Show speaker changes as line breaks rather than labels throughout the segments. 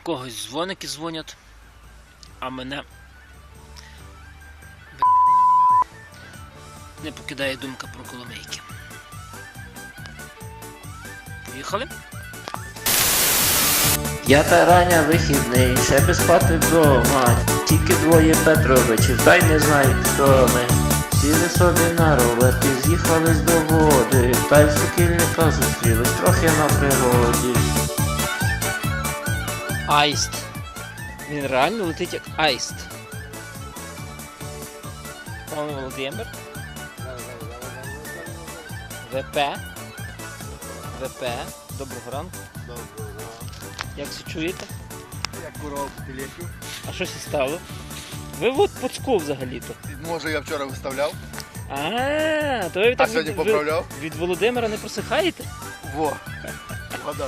когось дзвоники дзвонять, а мене не покидає думка про Коломийки. Поїхали?
Я тараня вихідний, ще без спати вдома. Тільки двоє Петровичів, та й не знають, хто ми. Сіли собі на ровер і з'їхались до води. Та й сокільника зустрілись трохи на природі.
Аїст. Він реально летить як аїст. Пане Володимир. ВП. Доброго ранку.
Доброго.
Як все чуєте?
Як курок білетів.
А що стало? Ви от Пуцьку взагалі-то.
Може я вчора виставляв,
То ви так
сьогодні поправляв?
від Володимира не просихаєте?
Во, вгадав.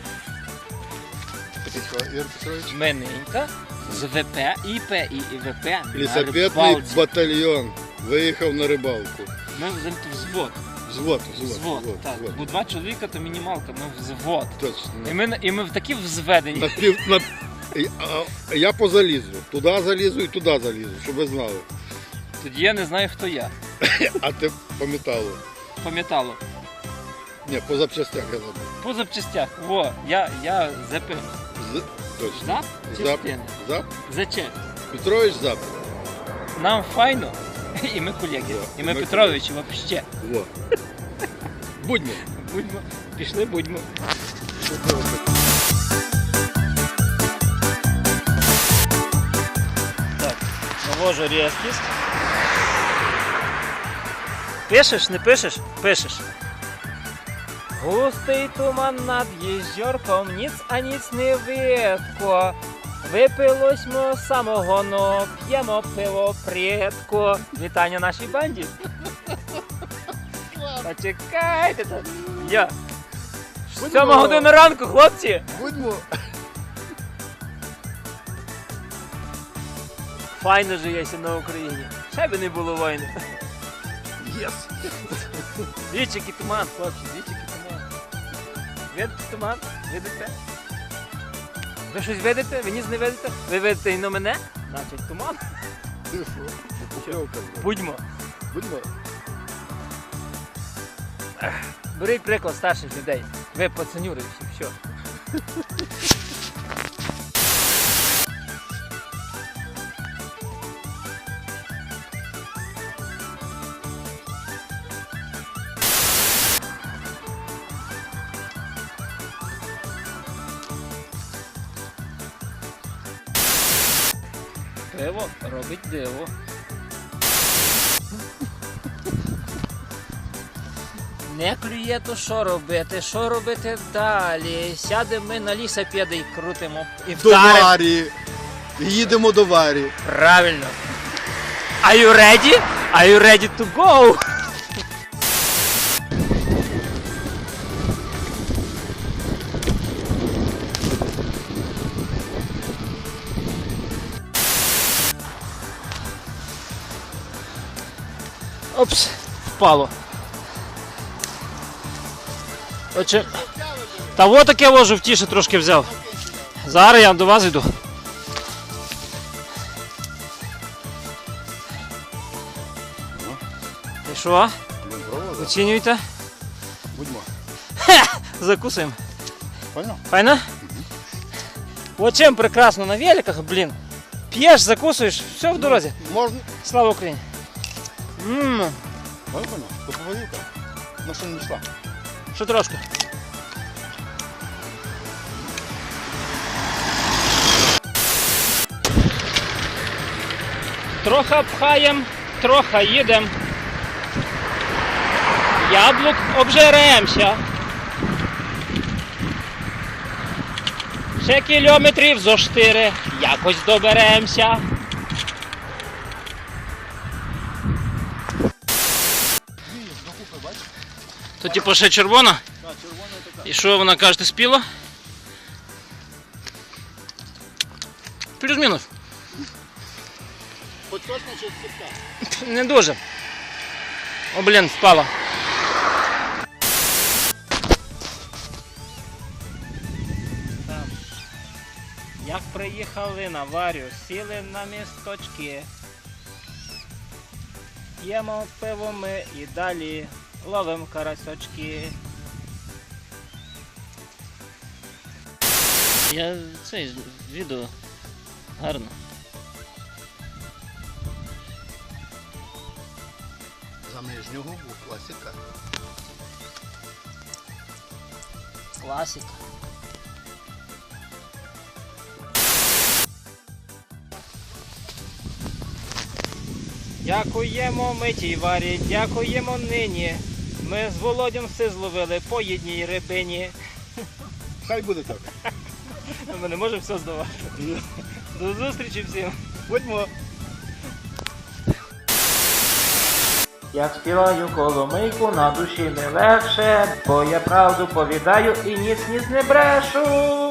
Ігор Петрович?
Мененька з ВП, ІП і ВП на
Лісапетний
рибалці.
батальйон виїхав на рибалку.
Ми взвод.
Взвод.
Так. Бо 2 чоловіка то мінімалка, ми взвод.
Точно.
І ми в такі взведені.
Я позалізу. Туди залізу і туди залізу, щоб ви знали.
Тоді я не знаю, хто я.
А ти по металу.
Пам'ятало.
Ні, по запчастях я забув.
По запчастях. Во, я ЗП.
Точно.
Зап?
Зап.
Частина.
Зап.
ЗЧ.
Петрович Зап.
Нам файно. І ми колеги.
Да,
І ми
ми
Петровичі вообще.
Во. Будьмо.
Будьмо. Пішли, будьмо. Так, навожу різкість. Пишеш, не пишеш? Пишеш. Густий туман над єзерком, ніц а ніц не видко. Випилось ми самогону, п'ємо пиво предко. Вітання нашій банді. Та чекайте там. Я. 7 година ранку, хлопці.
Будьмо.
Файно живеться на Україні. Ще би не було війни.
Єс.
Дивіться, який туман, хлопці, дивіться, який туман. Видите туман? Видите? Ви щось видите? Ви ніс не видите? Ви видите і на мене? Значить туман. Будьмо.
Будьмо.
Беріть приклад старших людей. Ви пацанюри всі, все. Пиво робить диво. Не клює, то що робити? Що робити далі? Сядемо ми на лісопеди і крутимо. І
До Варі. Їдемо до Варі.
Правильно. Are you ready? Are you ready to go? Опс, впало. Отже, та вот таке ложу втіше трошки взяв. Зараз я до вас йду. І що? Оцінюєте?
Будьмо.
Закусуємо.
Понял?
Файно? От чим прекрасно на великах, блін. П'єш, закусуєш, все в дорозі.
Можна.
Слава Україні.
Понял? Поповодівка. Машина не йшла.
Що трошки? Трохи пхаєм, трохи їдем. Яблук обжеремося. Ще кілометрів зо 4, якось доберемося. То типу ще червона?
Так, червона така.
І що вона кажете, спіла? Плюс-мінус.
Хоч точно чи спитка?
Не дуже. О, блін, впала. Як приїхали на Варю, сіли на місточки. П'ємо пиво ми і далі ловимо карасочки. Я цей відео гарно.
За нижнього був класика.
Класика. Дякуємо ми тій Варі, дякуємо нині. Ми з Володям все зловили по одній рибині.
Хай буде так.
Ми не можемо все здавати. До зустрічі всім.
Будьмо.
Як співаю коломийку, на душі не легше, бо я правду повідаю і ніц не брешу.